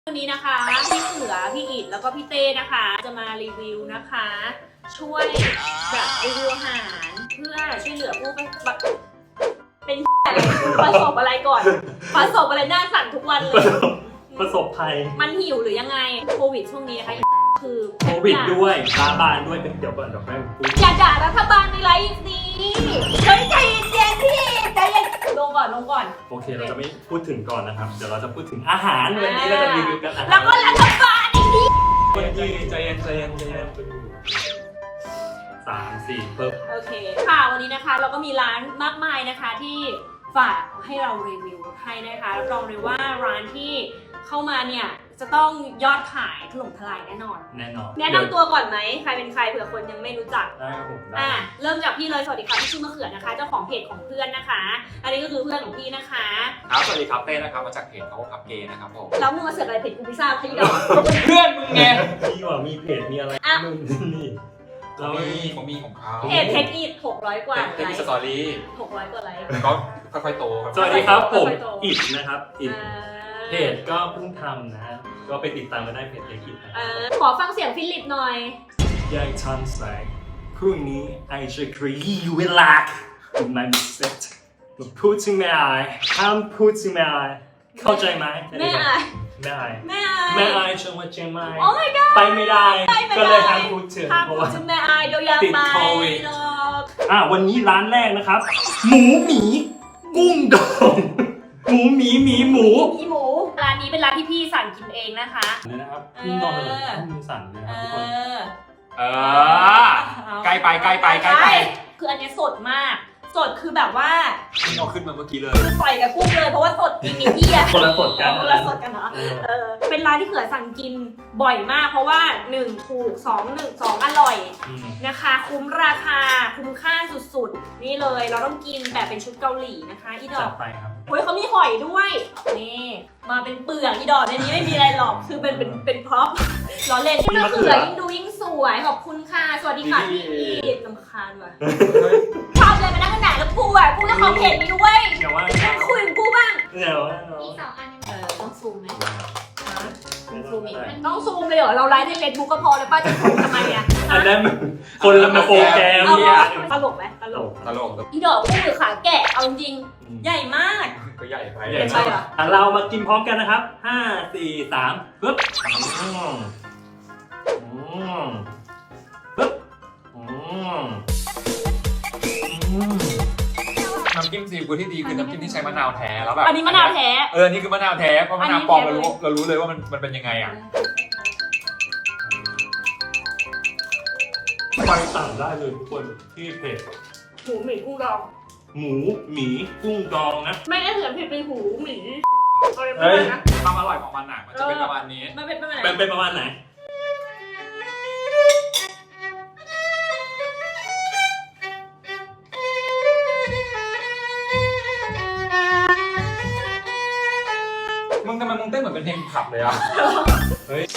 วันนี้นะคะพี่เขือพี่อิดแล้วก็พี่เต้นะคะจะมารีวิวนะคะ ช่วยแบบรีวิวอาหารเพื่อช่วยเหลือผู้เป็นอะไรประสบอะไรก่อนประสบอะไรหน้าสั่นทุกวันเลยประสบภัยมันหิวหรือยังไงโควิดช่วงนี้นะคะคือโควิดด้วยตาบานด้วยเดี๋ยวก่อนเดี๋ยวค่อยพูดอย่าด่ารัฐบาลในไลฟ์นี้เฮ้ยใจเย็นๆพี่ใจเย็นลงก่อนโอเคเราจะไม่พูดถึงก่อนนะครับเดี๋ยวเราจะพูดถึงอาหารวันนี้เราจะรีวิวกันอาหารแล้วก็รัฐบาลอีกทีใจเย็น3-4เพิ่มโอเคค่ะวันนี้นะคะเราก็มีร้านมากมายนะคะที่ฝากให้เรารีวิวให้นะคะรับรองเลยว่าร้านที่เข้ามาเนี่ยจะต้องยอดขายถล่มทลายแน่นอนแน่นอนแนะนำตัวก่อนไหมใครเป็นใครเผื่อคนยังไม่รู้จักได้ครับผมได้เริ่มจากพี่เลยสวัสดีค่ะพี่ชื่อมะเขือนะคะเจ้าของเพจของเพื่อนนะคะ อันนี้ก็คือเพื่อนของพี่นะคะครับสวัสดีครับเต้นะครับมาจากเพจเขาพับเกย์นะครับผมแล้วมึงมาเสือกอะไรเพจกูพิซซ่าพี่ดอกก็เป็นเพื่อนมึงไงพี่ว่ามีเพจมีอะไรอ่ะนู่นนี่เราเขามีของเขาเพจเทคอีท600 กว่าเต้ไลมีค์สตอรี่ 600 กว่าไลค์ก็ค่อยๆโตครับสวัสดีครับผมค่อยๆโตอิดนะครับอิดอ่าเพจก็เพิ่งทำนะก็ไปติดตามกันได้เพจอิดนะขอฟังเสียงฟิลิปหน่อยยายทันใส่พรุ่งนี้ไอจะกรีเวลาไม่มีเซ็ตพูดถึงแม่อายห้ามพูดถึงแม่อายเข้าใจไหมแม่อายแม่อายแม่อายแม่อายจังหวัดเชียงใหม่โอ้ my god ไปไม่ได้ ก็เลยห้ามพูดถึงห้ามเพพูราะดว่าถึงแม่อายเดี๋ยวยาติดไปโควิดหรอกวันนี้ร้านแรกนะครับ หมูหมีกุ้งดองหมูหมีหมูมีหมูร้านนี้เป็นร้านที่พี่สั่งกินเองนะคะเลยนะครับกุ้งดองเลยต้องมือสั่นเลยนะครับทุกคนใกล้ไปคืออันนี้สดมาก สดคือแบบว่านี่เอาขึ้นมาเมื่อกี้เลยคือปล่อยกับกุ้งเลยเพราะว่าสดจริงมีที่อะคนละสดกันคนละสดกันเหรอ เป็นร้านที่เขือสั่งกินบ่อยมาก เพราะว่า1ถูก2อร่อยนะคะ คุ้มราคาคุ้มค่าสุดๆนี่เลยเราต้องกินแบบเป็นชุดเกาหลีนะคะอีดจัอดกไปครับเฮ้ยเขามีหอยด้วยนี่มาเป็นเปลือกอีดอกในนี้ไม่มีอะไรหรอกคือเป็นพร็อพล้อเล่นที่มะเขือยิ่งดูยิ่งสวยขอบคุณค่ะสวัสดีค่ะพี่อีดลำคาญว่ะชอบเลยมานั่งกันไหนแล้วกูอ่ะกูจะขอเพจนี้ด้วยเดี๋ยวว่าคุยกับกูบ้างเดี๋ยวว่ามี2 อันต้องซูมไหมต้องซูมอีกต้องซูมเลยเหรอเราไลฟ์ในเฟซบุ๊กก็พอแล้วป้าจะซูมทำไมอ่ะอันนั้นมันคนละมาโปรแกรมเอาเนี่ยตลกไหมตลกตลกอีดอกกุ้งหรือขาแกะเอาจริงใหญ่มากก็ใหญ่ไปใหญ่ไปเหรอเรามากินพร้อมกันนะครับ5 4 3ปึ๊บปึ๊บน้ำจิ้มซีฟู้ดที่ดีคือน้ำจิ้มที่ใช้มะนาวแท้แล้วแบบอันนี้มะนาวแท้อันนี้คือมะนาวแท้เพราะมะนาวปลอมเรารู้เลยว่ามันเป็นยังไงอ่ะไปสั่งได้เลยทุกคนที่เพจหูหมีกุ้งดองหมูหมีกุ้งดองนะไม่ได้เถื่อนผิดเป็นหูหมีอะไรประเฮ้มาณยนั้นความอร่อยของมันหนักมันจะเป็นประมาณนี้มันเป็นประมาณไหนเป็นประมาณไหนมึงทำไมมึงเต้นเหมือนเป็นเพลงขับเลยอ่ะเฮ้ย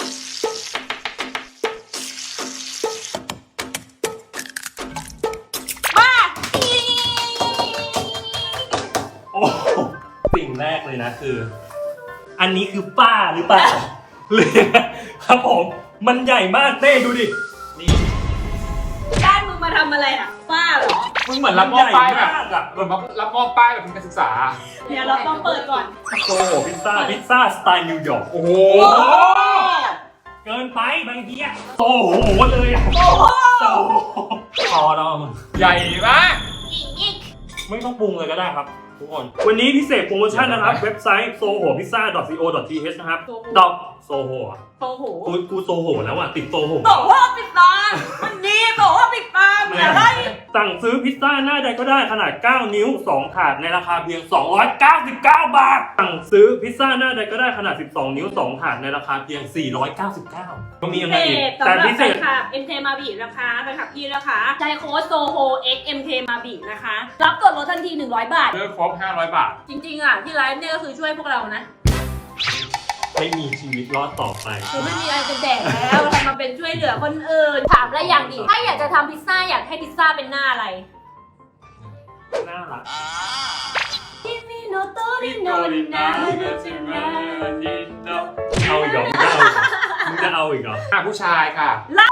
โอ้สิ่งแรกเลยนะคือ อันนี้คือป้าหรือเปล่าหรือครับผมมันใหญ่มากเต้ดูดินี่บ้านมึงมาทำอะไรอ่ะป้าเหรอมึงเหมือนรับมอบป้ายแบบใหญ่มากอะเหมือนรับมอบป้ายแบบเป็นการศึกษาเนี่ยเราต้องเปิดก่อนโซโหพิซซ่าสไตล์นิวยอร์กโอ้โหเกินไปบางทีอะโอ้โหเลยอะโอ้โหโอ้โหพอแล้วมึงใหญ่มากอีกไม่ต้องปรุงเลยก็ได้ครับทุกคนวันนี้พิเศษโปรโมชั่นนะครับ เว็บไซต์ sohopizza.co.th นะครับดอกโซโหโอ้โหกูโซโหแล้วอ่ะติดโซโหบอกว่าปิดตาวันนี้บอกว่าปิดตาอะไรสั่งซื้อพิซซ่าหน้าใดก็ได้ขนาด 9 นิ้ว 2 ถาดในราคาเพียง 299 บาท สั่งซื้อพิซซ่าหน้าใดก็ได้ขนาด 12 นิ้ว 2 ถาดในราคาเพียง 499 ก็มีอะไรอีกแต่พิเศษค่ะ MK มาบีนะคะแฟนคลับพี่นะคะใจโค้ดโซโฮ X MK มาบีนะคะ รับส่วนลดทันที100 บาทเลือกครบ500 บาทจริงๆอ่ะที่ไลฟ์เนี่ยก็คือช่วยพวกเรานะไม่มีชีวิตรอดต่อไปคือไม่มีอะไรจะแดกแล้วทำมาเป็นช่วยเหลือคนอื่น ถามอะไรอย่างดีถ้าอยากจะทำพิซซ่าอยากให้พิซซ่าเป็นหน้าอะไรน่ารัก Kimi no tori no na เอาอีกเหรอมึงจะเอาอีกเหรอผู้ชายค่ะ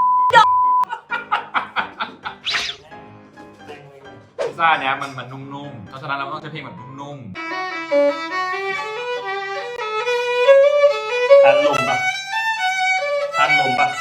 พิซซ่าเนี้ยมันนุ่มๆเพราะฉะนั้นเราต้องใช้เพลงแบบนุ่มทานลมปะทานลมปะ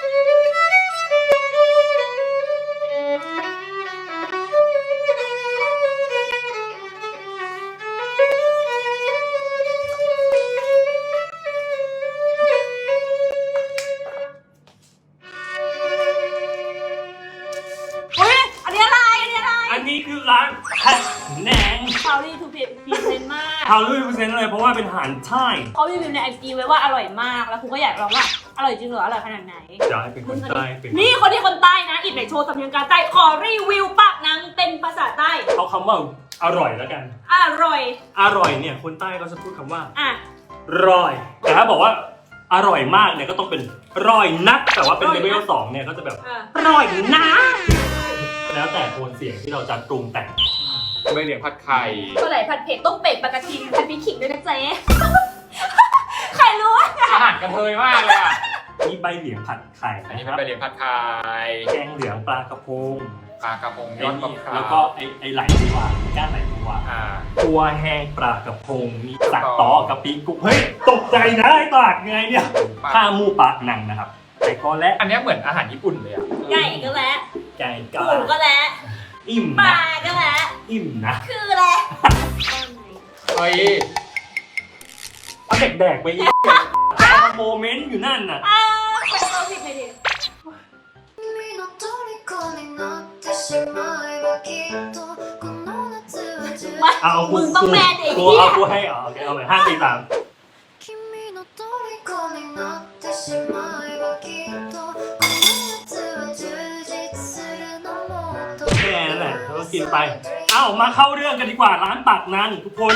อันนี้คือร้านผัดแหนงเขาดีทูพีเซนมากเขา100%เลยเพราะว่าเป็นอาหารใต้เขารีวิวในไอจีไว้ว่าอร่อยมากแล้วคุณก็อยากลองว่าอร่อยจริงเหรออร่อยขนาดไหนอยากให้เป็นคนใต้เป็นนี่คนที่คนใต้นะอิดไหนโชว์สำเนียงการใต้ขอรีวิวปากนังเป็นภาษาใต้เอาคำว่าอร่อยแล้วกันอร่อยอร่อยเนี่ยคนใต้ก็จะพูดคำว่าอ่ะร่อยแต่ถ้าบอกว่าอร่อยมากเนี่ยก็ต้องเป็นร่อยนักแต่ว่าเป็นเลเวล2เนี่ยก็จะแบบอ่ะร่อยนะแล้วแต่โทนเสียงที่เราจะปรุงแต่งๆไม่เหลียงผัดไข่ตัวไหนผัดเผ็ดต้มเป็ดปลากระทิงผัดพริกขิงด้วยนะเจ๊ ใครรู้วะอาหารกระเทยมากเลยอ่ะมีใบเหลียงผัดไข่อันนี้นะคเป็นรับใบเหลียงผัดไข่แกงเหลืองปลากระพงปลากระพงยอดมะพร้าวแล้วก็ไอไหลบัวก้านไหลบัว ตัวแห้งปลากระพงมีสักต่อกะปิกุ๊กเฮ้ยตกใจนะไอ้ปากไงเนี่ยข้าหมูปากหนังนะครับไก่ก็และอันเนี้ยเหมือนอาหารญี่ปุ่นเลยอ่ะไก่ก็แล้วไก่ก็หมูก็แล้วอิ่มปนะลาก็แล้วอิ่มนะคือแล้วเฮ้ยเอาเด็กแดกไปอีกแต่โมเมนต์อยู่นั่นน่ะอ้าวใครเอาผิดไปดิ君の虜になってしまえばきっとこの夏は充มาเอากูมึงต้องแมนอีกกูที่เอากูให้เอาโอเคเอาใหม่5 4 3 君の虜になってしまえばきっとこの夏は充実するのもっとแค่นั้นแหละเราก็กินไป เอ้ามาเข้าเรื่องกันดีกว่าร้านปากนันทุกคน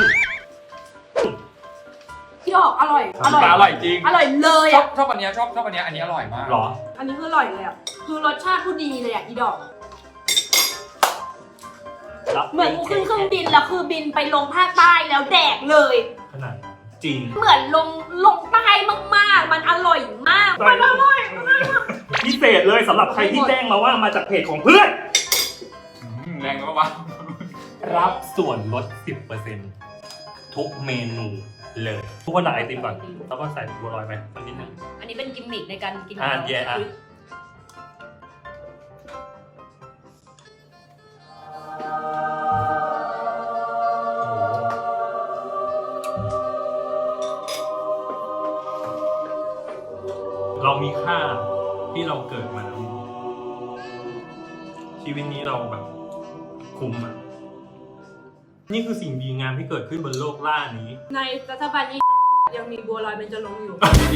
พี่ออกอร่อยอร่อยจริงอร่อยเลยชออ่ะบอันเนี้ยชอบอันเนี้ยอันนี้อร่อยมากหรออันนี้คืออร่อยเลยอ่ะคือรสชาติผู้ดีเลยอ่ะอีดอกรับเหมือนกูขึ้นเครื่องบินแล้วคือบินไปลงภาคใต้แล้วแดกเลยขนาดจริงเหมือนลงใต้มากๆ มันอร่อยมากมันอร่อยพิเศษเลยสำหรับใครที่แจ้งมาว่ามาจากเพจของเพื่อนแรงมากรับส่วนลด 10% ทุกเมนูเลย ทุกคนหนาไอติมก่อนแล้วก็ใส่บัวลอยไปสักนิดนึงอันนี้เป็นกิมมิคในการกินแย่อ่ะเรามีค่าที่เราเกิดมาแล้วชีวิตนี้เราแบบคุ้มอ่ะ นี่คือสิ่งดีงามที่เกิดขึ้นบนโลกล่านี้ในรัฐบาลนี้ยังมีบัวลอยเบญจรงค์อยู่ดี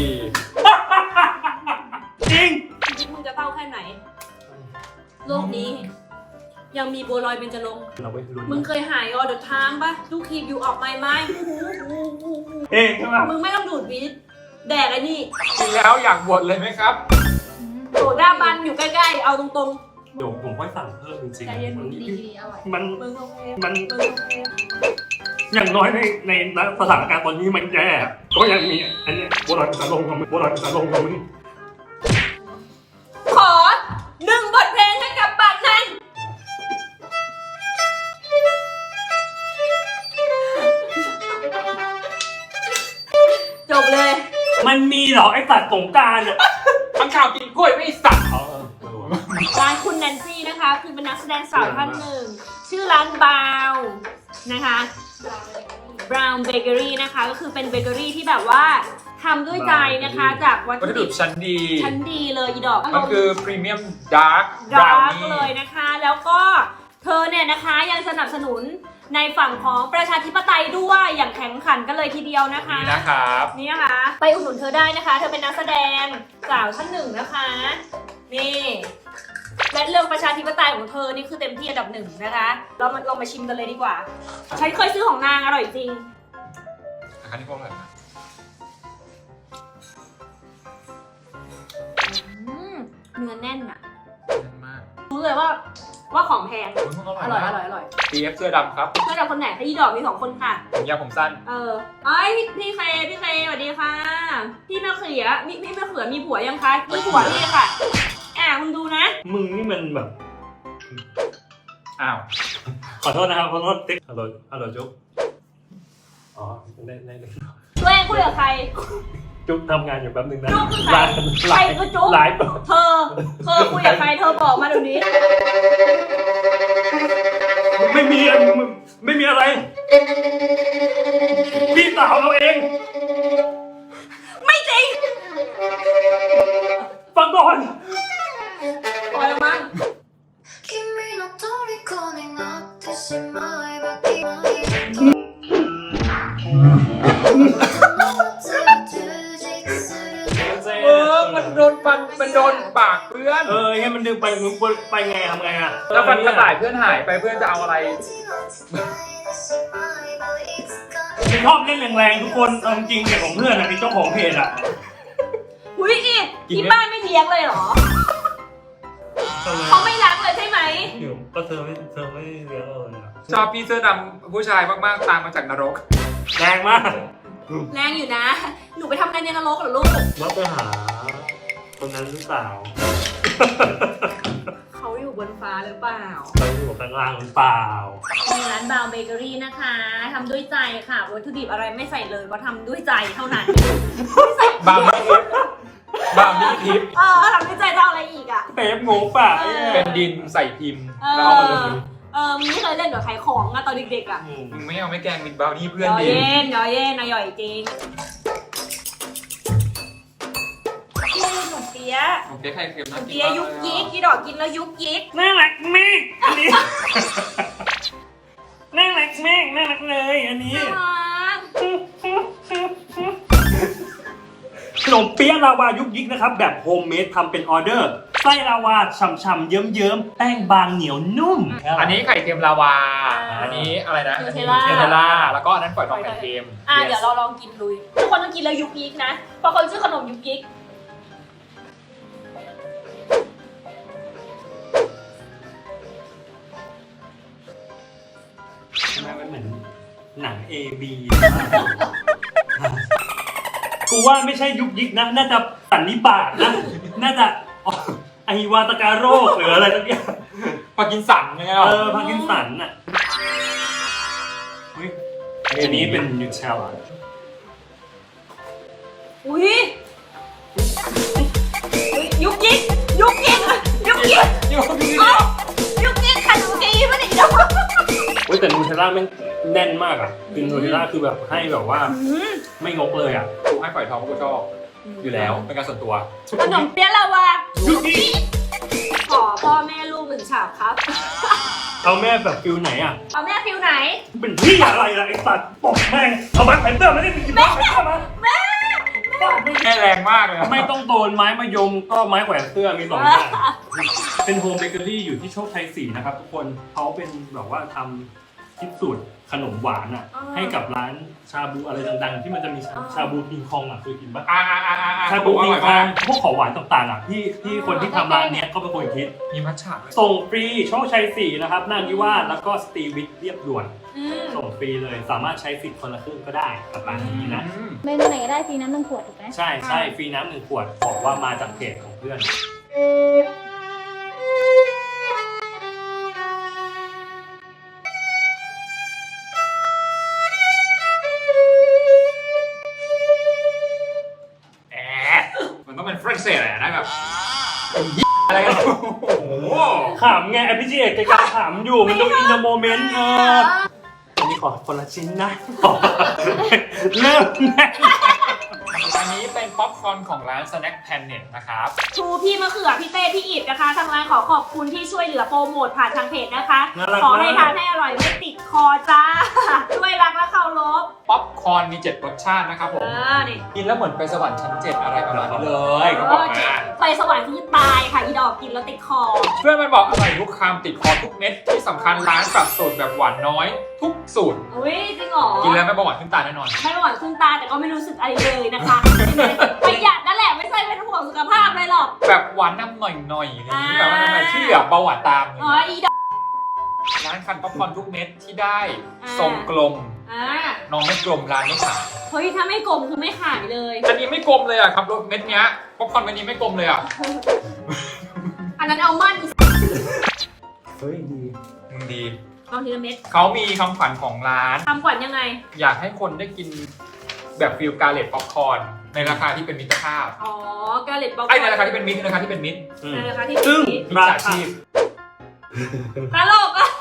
จริงชีวิตมึงจะเต้าแค่ไหน โลกนี้ ยังมีบัวลอยเบญจรงค์เราไปลุ้นมึงเคยหายออเดอร์ไทม์ปะทุกคีบอยู่ออกไม่ไหมเอ๊ะใช่ไหมมึงไม่ต้องดูดวิตแดกไอ้นี่กินแล้วอยากบวชเลยไหมครับโดดด้าบันอยู่ใกล้ๆ เอาตรงเดี๋ยวผมค่อยสั่งเพิ่มจริงใจเย็นๆมันดีๆอร่อยมันมึงโอเคมันมึงโอเคอย่างน้อยในสถานการณ์ตอนนี้มันแย่ก็ยังมีอันเนี้ยบัวลอยเป็นสารลงกับมึงบัวลอยเป็นสารลงกับมึงขอ1 บทเพลงให้กับปากนั้นจบเลยมันมีเหรอไอ้สัตว์สงกรารเนี่ยทั้งข่าวกินกล้วยไม่สัตว์ร้านคุณแนนซี่นะคะ คือเป็นนักแสดงสาวท่านหนึ่ง ชื่อร้านบาวนะคะ Brown Bakery นะคะ ก็คือเป็นเบเกอรี่ที่แบบว่าทำด้วยใจนะคะ จากวัตวัตถุถุดิดิบบชั้นดีชั้นดีเลยอีดอกมันคือพรีเมียมดาร์กบดาราวร์กนี่เลยนะคะ แล้วก็เธอเนี่ยนะคะยังสนับสนุนในฝั่งของประชาธิปไตยด้วยอย่างแข็งขันกันเลยทีเดียวนะคะนี่นะครับนี่นะคะ ไปอุดหนุนเธอได้นะคะ เธอเป็นนักแสดงสาวท่านหนึ่งนะคะ นี่และเรื่องประชาธิปไตยของเธอนี่คือเต็มที่อันดับ 1นะคะเรามาชิมกันเลยดีกว่า ฉันเคยซื้อของนางอร่อยจริงอันนี้พวกอะไรนะเนื้อแน่นอะแน่นมากรู้เลยว่าของแพงออร่ร่ออย ยมาอก ร่อยอร่อย CF เสื้อดำครับเพื่อนเราคนไหนคะอีดอกมี2 คนค่ะผมยาวผมสั้นไอ้ยพี่เคสวัสดีค่ะ พี่มะเขือพี่มะเขือมีผัวยังคะมีผัวพี่ค่ะมึงดูนะมึงนี่มันแบบอ้าวขอโทษนะครับขอโทษติ๊กฮัลโหลจุ๊บอ๋อได้เลยตัวเองคุยกับใครจุ๊บทำงานอยู่แป๊บนึงนะจุ๊บคือใครใครคือจุ๊บไลฟ์เธอคุยกับใครเธอบอกมาเดี๋ยวนี้ไม่มีอะไร พี่สาวเราเองไม่จริงฟังก่อนปล่อยมัน君の虜になってしまえばきっと充実するมันโดนปากเพื่อนให้มันดึงไปมึงไปไงทำไงอ่ะแล้วฟันกระต่ายเพื่อนหายไปเพื่อนจะเอาอะไรมึงชอบเล่นแรงๆทุกคนเอาจริงๆเนี่ยของเพื่อนอะมีเจ้าของเพจอ่ะอุ้ยอีกที่บ้านไม่เลี้ยงเลยเหรอเขาไม่รักเลยใช่ไหมเดี๋ยวก็เธอไม่เลี้ยงเราเลยอ่ะชอบพี่เสื้อดำผู้ชายมากๆตามมาจากนรกแรงมากแรงอยู่นะ หนูไปทำงานในนรกเหรอลูกว่าไปหาคนนั้นหรือเปล่าเขาอยู่บนฟ้าหรือเปล่าเขาอยู่ข้างล่างหรือเปล่ามีร้านบาวเบเกอรี่นะคะทำด้วยใจค่ะวัตถุดิบอะไรไม่ใส่เลยเพราะทำด้วยใจเท่านั้นบางนี่ทิพย์ทำด้วยใจจะเอาอะไรอีกอ่ะเป๊ปงงป่ะเป็นดินใส่พิมพ์แล้วเอามาลงมึงไม่เคยเล่นกับขายของอะตอนเด็กๆอะมึงไม่เอาไม่แกล้งมิดบาวนี่เพื่อนย่อดิเย็นนะย่อยจริงพี่ขนมเปี๊ยะผมเปี๊ยกไข่เค็มขนนะมเปี๊ยะยุกยิกที่ดอกกินแล้วยุกยิกน่ารักมากอันนี้ น่ารักมากน่ารักเลยอันนี้น่ารักขนมเปี๊ยะลาวายุกยิกนะครับแบบโฮมเมดทำเป็นออเดอร์ไส้ลาวาฉ่ำๆเยิ้มๆแป้งบางเหนียวนุ่มอันนี้ไข่เค็มลาวา อันนี้อะไรนะเทลล่าแล้วก็อันนั้นฝอยทองไข่เค็มเดี๋ยวเราลองกินลุยทุกคนต้องกินแล้วยุกยิกนะเพราะคนชื่อขนมยุกยิกมันเหมือนหนัง A.B. กูว่าไม่ใช่ยุกยิกนะ น่าจะสันนิบาตนะ น่าจะอหิวาตกาโรคหรืออะไรสักอย่างพากินสันไงพาร์กินสันน่ะอันนี้เป็นยูเชลอุ้ยยุกยิกยุกยิกยุกยิกยุกยิกขนมจีนไม่ได้ดอกแต่นูเทลล่าแม่งแน่นมากอ่ะคือนูเทลล่าคือแบบให้แบบว่าไม่งกเลยอ่ะกูให้ฝอยทองกูชอบอยู่แล้วเป็นการส่วนตัวขนมเปี๊ยะลาวาขอพ่อแม่ลูก1 ฉาบครับเอาแม่แบบฟิลไหนอ่ะเอาแม่ฟิวไหนเป็นที่อะไรล่ะไอ้สัตว์ปกแม่งเอาแบ็คแพนเตอร์มาได้มีบ้าแพนเตอร์มาแม่แค่แรงมากเลยไม่ต้องโดนไม้มายมก็ไม้แขวนเสื้อมี2อย่างเป็นโฮมเบเกอรี่อยู่ที่โชคชัย4นะครับทุกคนเขาเป็นแบบว่าทำคิดสูตรขนมหวานอ่ะให้กับร้านชาบูอะไรดังๆที่มันจะมีชาบูคิงคองอ่ะเคยกินปะชาบูคิงคองพวกของหวานต่างๆอ่ะที่คนที่ทำร้านเนี้ยก็เป็นคนคิดมีมัทฉะส่งฟรีโชคชัย4นะครับนานิวาสแล้วก็สตรีวิทเรียบด่วนส่งฟรีเลยสามารถใช้สิทธิ์คนละครึ่งก็ได้กับร้านนี้นะเมนูไหนก็ได้ฟรีน้ำ1 ขวดถูกไหมใช่ฟรีน้ำ1 ขวดบอกว่ามาจากเพจของเพื่อนมันต้องเป็นฝรั่งเศสอะไรนะแบบอะไรกันโอ้โหขำไงไอพี่จีเอกแกกำลังขำอยู่มันดูอินเตอร์โมเมนต์อันนี้ขอคนละชิ้นนะเริ่มแน่อันนี้เป็นป๊อปคอร์นของร้าน Snack Planet นะครับชูพี่มะเขือพี่เต้พี่อิดนะคะทางร้านขอขอบคุณที่ช่วยเหลือโปรโมทผ่านทางเพจนะคะ ขอให้ทานให้อร่อยไม่ติดคอจ้าด้วยรักและเคารพป๊อปคอร์นมี7รสชาตินะครับผมนี่กินแล้วเหมือนไปสวรรค์ชั้น7อะไรประมาณนี้เลยก็บอกมาไปสวรรค์คือตายค่ะอีดอกกินแล้วติดคอเพื่อนมันบอกอร่อยทุกคำติดคอทุกเม็ดที่สำคัญร้านปรับสูตรแบบหวานน้อยทุกสูตรอุ้ยจริงเหรอกินแล้วไม่เบาหวานขึ้นตาแน่นอนไม่หวานขึ้นตาแต่ก็ไม่รู้สึกอะไรเลยนะคะประหยัดนั่นแหละไม่ใช่เป็นห่วงสุขภาพเลยหรอกแบบหวานน้ำหน่อยๆอะไรอย่างนี้แบบว่าหน่อยๆที่เหลือเบาหวานตามอ๋ออีดอกร้านคันป๊อปคอร์นทุกเม็ดที่ได้อ่าทรงกลมอ่าน้องไม่กลมร้านไม่ขายเฮ้ยถ้าไม่กลมคือไม่ขายเลยอันนี้ไม่กลมเลยอ่ะครับรถเม็ดเนี้ยป๊อปคอร์นเม็ดนี้ไม่กลมเลยอ่ะอันนั้นเอามั่นเฮ้ยดีดีลองทีละเม็ดเขามีคำขวัญของร้านทำขวัญยังไงอยากให้คนได้กินแบบฟิลการเลตป๊อปคอร์นในราคาที่เป็นมิตรภาพอ๋อกาเล็ตบอกไอ้ในราคาที่เป็นมิตรในราคาที่เป็นมิตรในราคาที่ซึ่งมิจราฉาคาชีพตลกอ่ะ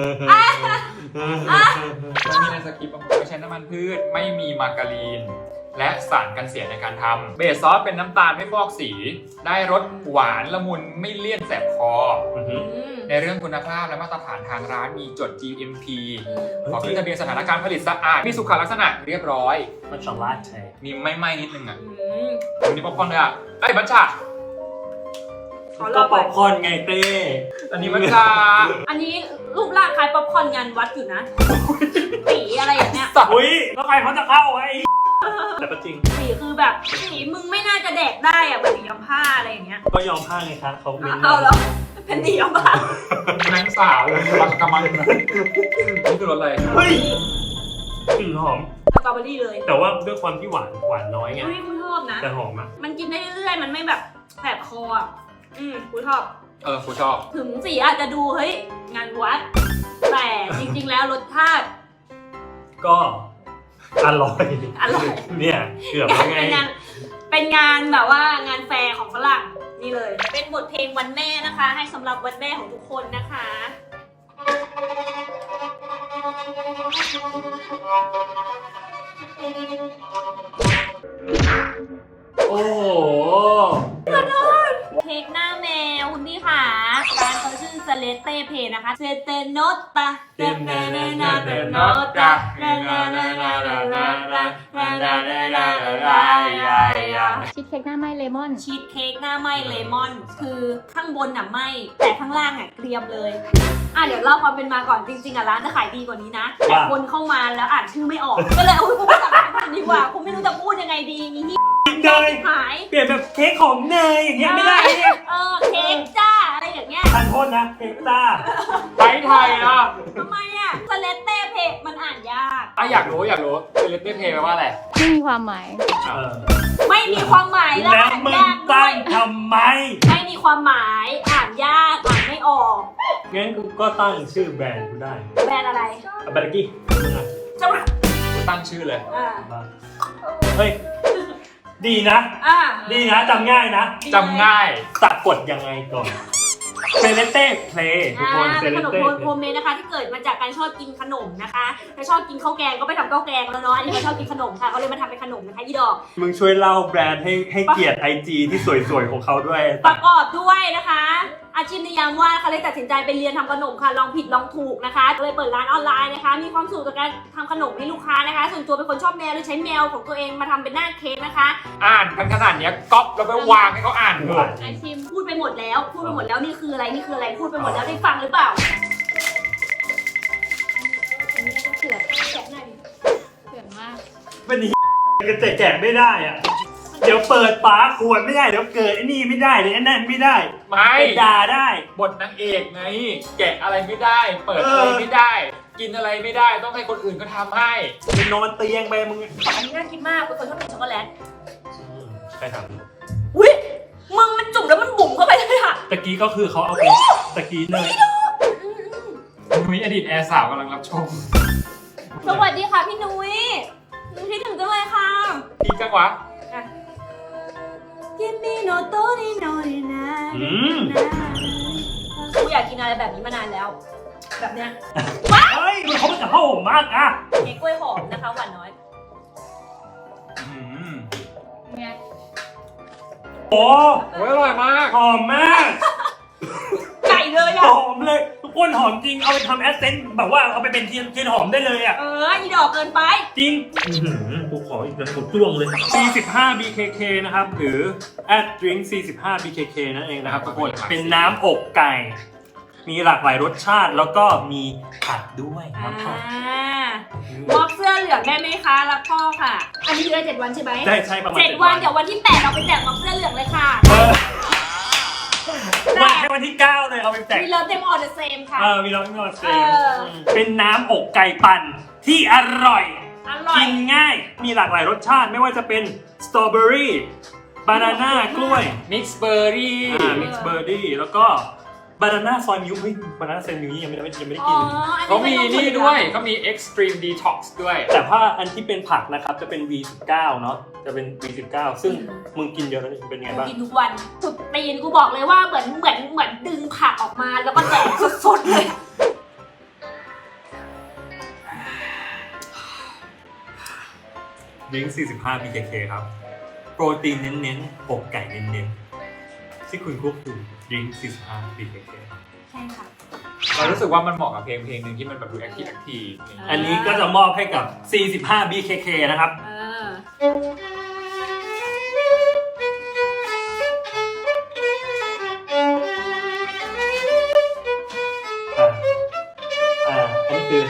แล้วมีในสคริปต์บางคนไม่ใช้น้ำมันพืชไม่มีมาการีน และสารกันเสียในการทำเบสซอสเป็นน้ำตาลไม่ฟอกสี ได้รสหวานละมุนไม่เลี่ยนแสบคอ ในเรื่องคุณภาพและมาตรฐานทางร้านมีจด GMP ขอขึ้นทะเบียนสถานการผลิตสะอาดมีสุขลักษณะเรียบร้อยมันช็อกโกแลตใช่มีไม่ไหม้นิดนึงอ่ะวันนี้ป๊อปคอร์นเลยอ่ะไอ้ยบัญชาขอรก็อป๊ก่ออนปคอร์นไงเต้อันนี้บัญชาอันนี้รูปร่างคล้ายป๊อปคอร์นงานวัดอยู่นะสีอะไรอย่างเงี้ยอุ้ยแล้วใครเขาจะเข้าไอ้แต่ก็จริงสีคือแบบสีมึงไม่น่าจะแดกได้อะแบบสียำผ้าอะไรอย่างเงี้ยก็ยอมผ้าไงคะเขาเม้นเอาแล้วเป็นสียำผ้านางสาวเลยกำลังนะนี่คือรสอะไรเฮ้ยกลิ่นหอมสตรอเบอรี่เลยแต่ว่าด้วยความที่หวานน้อยไงอุ้ยคุณชอบนะแต่หอมอ่ะมันกินได้เรื่อยๆมันไม่แบบแสบคออ่ะคุณชอบกูชอบถึงสีอาจจะดูเฮ้ยงานวัด แต่จริงๆแล้วรสชาติก็อร่อยอร่อยเนี่ยเกือบแล้วไงเป็นงานแบบว่างานแฟร์ของฝรั่งนี่เลย เป็นบทเพลงวันแม่นะคะ ให้สำหรับวันแม่ของทุกคนนะคะโอ้โหเค้กหน้าแมวคุณพี่ค่ะร้านเขาชื่อเซเลเต้เพนะคะเซเตโนตาเซเตโนตาชีสเค้กหน้าไหม้เลมอนชีสเค้กหน้าไหม้เลมอน คือข้างบนน่ะไหม้แต่ข้างล่างอ่ะเกรียมเลยเดี๋ยวเล่าความเป็นมาก่อนจริงๆร้านจะขายดีกว่านี้นะแต่คนเข้ามาแล้วอ่านชื่อไม่ออกก็เลยคุณสั่งร้านดีกว่าคุณไม่รู้จะพูดยังไงดีนี่เนยหายเปลี่ยนแบบเค้กของเนยอย่างเงี้ยไม่ได้เนี่ยเค้กจ้าอะไรอย่างเงี้ยทานโทษนะเค้กต้าไทยไทยอ่ะทำไมอ่ะสเลตเต้เพมันอ่านยากอยากรู้เซเลบเต้เพย์แปลว่าอะไรไม่มีความหมายไม่มีความหมายและแล้วอ่านมึงยากด้วตั้ยงทำไมไม่มีความหมายอ่านยากอ่านไม่ออกงั้นกูก็ตั้งชื่อแบรนด์กูได้แบรนด์อะไรแบรนด์กี้มึงอ่ะจังหวัดกูตั้งชื่อเลยเฮ้ยดีนะ ดีนะจำง่ายนะจำง่ายสะกดยังไงก่อนเซเลเต้เพลย์ทุกคนเซเป็นเลขนมเต้โฮมเมดนะคะ ที่เกิดมาจากการชอบกินขนมนะคะถ้าชอบกินข้าวแกงก็ไปทำข้าวแกงแล้วเนาะอันนี้เขาชอบกินขนมค่ะเขาเลยมาทำเป็นขนมนะคะอีดอกมึงช่วยเล่าแบรนด์ให้เกียรติ IG ที่สวยๆของเขาด้วยประกอบด้วยนะคะ อาชีพในยามว่างเขาเลยตัดสินใจไปเรียนทำขนมค่ะลองผิดลองถูกนะคะก็เลยเปิดร้านออนไลน์นะคะ มีความสุขกับการทำขนมให้ลูกค้านะคะ ส่วนตัวเป็นคนชอบแมวเลยใช้แมวของตัวเองมาทำเป็นหน้าเค้กนะคะอ่านกันขนาดเนี้ยก๊อปแล้วไปวางให้เขาอ่านเถอะไอชิมพูดไปหมดแล้วนี่คืออะไรนี่คืออะไรพูดไปหมดแล้วได้ฟังหรือเปล่าอันนี้ก็เถื่อนแกะหน้าดิเถื่อนมากเป็นที่จะแจกไม่ได้อ่ะ เดี๋ยวเปิดฝาขวดไม่ได้เดี๋ยวเกิดไอ้นี่ไม่ได้เดี๋ยวไอ้นั่นไม่ได้ไม่ไปด่าได้บทนางเอกไง แกะอะไรไม่ได้ เปิดอะไรไม่ได้ กินอะไรไม่ได้ต้องให้คนอื่นก็ทำให้ไปนอนเตียงไปมึงอันนี้น่ากินมากเป็นคนชอบกินช็อกโกแลตใครทอุ้ยมึงมันจุ่มแล้วมันบุ๋มเข้าไปเลยอะำตะกี้ก็คือเขาเอาไปตะกี้เนยนุ้ยอดีตแอร์สาวกำลังรับชมสวัสดีค่ะพี่นุ้ยคิดถึงจังเลยค่ะพี่กังวะกินมีโนโตริโนรินา กูอยากกินอะไรแบบนี้มานานแล้ว แบบเนี้ยเฮ้ยมันเขาเป็นกับพ่อผมมากอ่ะเค้กกล้วยหอมนะคะหวานน้อยเนี่ยโอ้โอ้ยอร่อยมากหอมมากไก่เลยหอ่ะอมเลยทุกคนหอมจริงเอาไปทำแอสเซนต์แบบว่าเอาไปเป็นเทียนหอมได้เลยอ่ะอีดอกเกินไปจริงกูขออีกแล้วกูจ้วงเลย 45 BKK นะครับ หรือ @drink 45 BKK นั่นเองนะครับทุกคนเป็นน้ำอกไก่ มีหลากหลายรสชาติแล้วก็มีผักด้วยน้ำผักมอบเสื้อเหลืองได้ไหมคะรักพ่อค่ะ อันนี้ได้7 วันใช่ไหมได้ใช้ประมาณ 7 วันเดี๋ยววันที่ 8 เราไปแจกมอบเสื้อเหลืองเลยค่ะวันให้วันวันที่ 9 เลยเอาไปแจก We love them all the same ค่ะมีเราไม่มีเราเซเออเป็นน้ำอกไก่ปั่นที่อร่อยอร่อยกินง่าย มีหลากหลายรสชาติไม่ว่าจะเป็นสตรอเบอรี่บานาน่ากล้วยมิกซ์เบอร์รี่มิกซ์เบอร์รี่แล้วก็บานาน่าซอยมิลค์เฮ้ยบานาน่าซอยมิลค์นี่ยังไม่ได้กินเขามีนี่ด้วยเขามี Extreme Detox ด้วยแต่ถ้าอันที่เป็นผักนะครับจะเป็น V19 เนาะจะเป็น V19 ซึ่งมึงกินเยอะแล้วเป็นไงบ้างกินทุกวันสุดตีนกูบอกเลยว่าเหมือนดึงผักออกมาแล้วก็แดกสดๆเลยดิ้ง45 BKK ครับ โปรตีนเน้นๆอกไก่เน้นๆที่คุณควบคุมดิ้ง45 BKK ใช่ค่ะเรารู้สึกว่ามันเหมาะกับเพลงหนึ่งที่มันแบบดูแอคทีฟอันนี้ก็จะมอบให้กับ 45 BKK นะครับ อันนี้คือ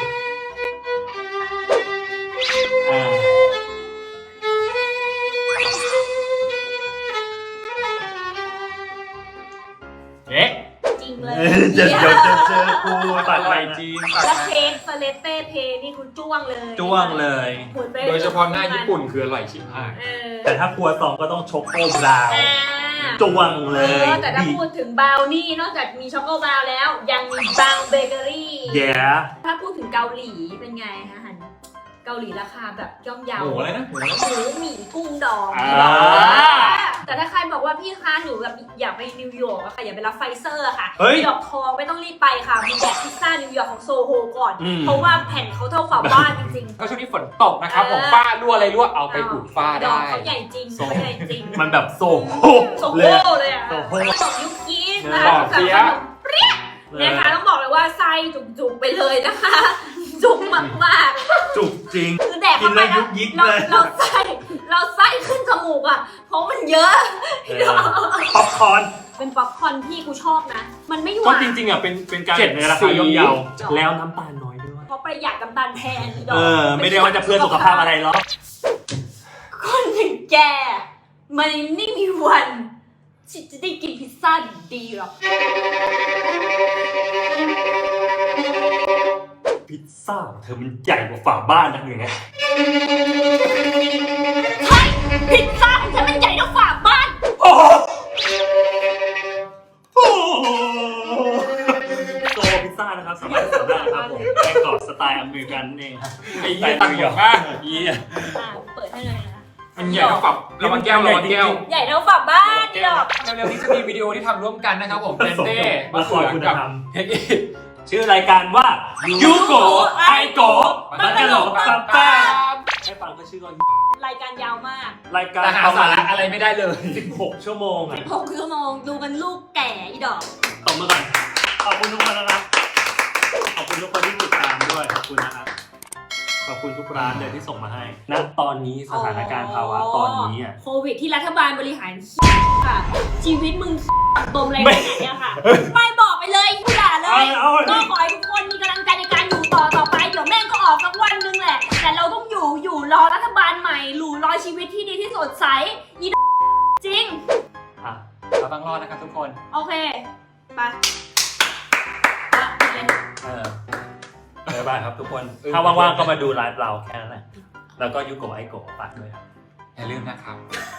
เอ๊ะจริงเลยเดี๋ยวจะเจอกูตัดไปจริงแล้วเพนสเลตเต้เพนี่คุณจ้วงเลยจ้วงเลยโดยเฉพาะหน้าญี่ปุ่นคืออร่อยชิบหายแต่ถ้าครัวซองก็ต้องช็อกโกบราวน์จ้วงเลยแต่ถ้าพูดถึงบราวนี่นอกจากมีช็อกโกบราวน์แล้ว ยังมีบราวน์เบเกอรี่แย่ถ้าพูดถึงเกาหลีเป็นไงคะฮันเกาหลีราคาแบบย่อมเยาหมูอะไรนะหมูหมี่กุ้งดองอ่าแต่ถ้าใครบอกว่าพี่คะหนูแบบอยากไปนิวยอร์กอะค่ะอยากไปรับไฟเซอร์อะค่ะเฮ้ยนิวยอร์กทองไม่ต้องรีบไปค่ะมีแดกพิซซ่านิวยอร์กของโซโฮก่อนอืมเพราะว่าแผ่นเขาเท่าฝาบ้านจริงๆก็ช่วงนี้ฝนตกนะครับผมฝ้ารั่วอะไรรั่วเอาไปอุดฝ้าดอได้กเขาใหญ่จริงเขาใหญ่จริงมันแบบโซโฮโซโฮเลยอะโซโฮขนมยุคกีสนะบคะอกเสียขนมเปรี้ยนะคะต้องบอกเลยว่าไส้จุกๆไปเลยนะคะ จุกมากจุกจริงๆคือแดกเข้าไปกินแล้วยุนะกยิกเราเลยเราไส้ขึ้นจมูกอ่ะเพราะมันเยอะป๊อปคอร์นเป็นป๊อปคอร์นที่กูชอบนะ มันไม่หก็วานจริงๆอ่ะเป็นการในราคาย่อมเยาแล้วน้ำตาลน้อยด้วยเพราะประหยัดน้ำตาลแทนอีดอกไม่ได้ว่าจะเพื่อสุขภาพอะไรหรอกคนอย่างแกมันไม่มีวันที่จะได้กินพิซซ่าดีๆหรอกพิซซ่าเธอมันใหญ่กว่าฝาบ้านนั่นเองไงใช่พิซซ่าของฉันมันใหญ่เท่าฝาบ้านโอ้โหโซพิซซ่านะครับสามารถสั่งได้นะครับผมแป้งกรอบสไตล์อเมริกันเองครับไอ้เหี้ยตังค์เยอะมากเยี่ยเปิดให้เลยนะมันใหญ่เท่าฝับระวังแก้วระวังแก้วใหญ่เท่าฝาบ้านอีดอกเร็วๆนี้จะมีวิดีโอที่ทำร่วมกันนะครับผมเต้นเต้มาคอยคุณกับธรรมเฮกอิชื่อรายการว่ายูโกไอโกบักกะโหลซัมป้าให้ฟังก็ชื่อก็รายการยาวมากรายการแต่หาประสามาณระอะไรไม่ได้เลย 16 ชั่วโมงอ่ะ 6 ชั่วโมงดูกันลูกแก่อีดอกตบมือก่อนขอบคุณทุกคนนะครับขอบคุณทุกคนที่ติดตามด้วยขอบคุณนะครับขอบคุณทุกร้านเลยที่ส่งมาให้ณตอนนี้สถานการณ์ภาวะตอนนี้อ่ะโควิดที่รัฐบาลบริหารค่ะชีวิตมึงตมอะไรขนาดเนี้ยค่ะไปบอกไปเลยกูด่าเลยเอาก็ขอให้ทุกคนมีกำลังใจในการอยู่ต่อไปเดี๋ยวแม่งก็ออกสักวันนึงแหละ แต่เราต้องอยู่รอรัฐบาลใหม่รอชีวิตที่ดีที่สดใสอีจริงอ่ะเราต้องรอดนะครับทุกคนโอเคไปบ๊ายบายครับทุกคน ถ้าว่างๆก็มาดูไลฟ์เราแค่นั้นแหละแล้วก็ยูโกไอโกฝากด้วยครับอย่าลืมนะครับ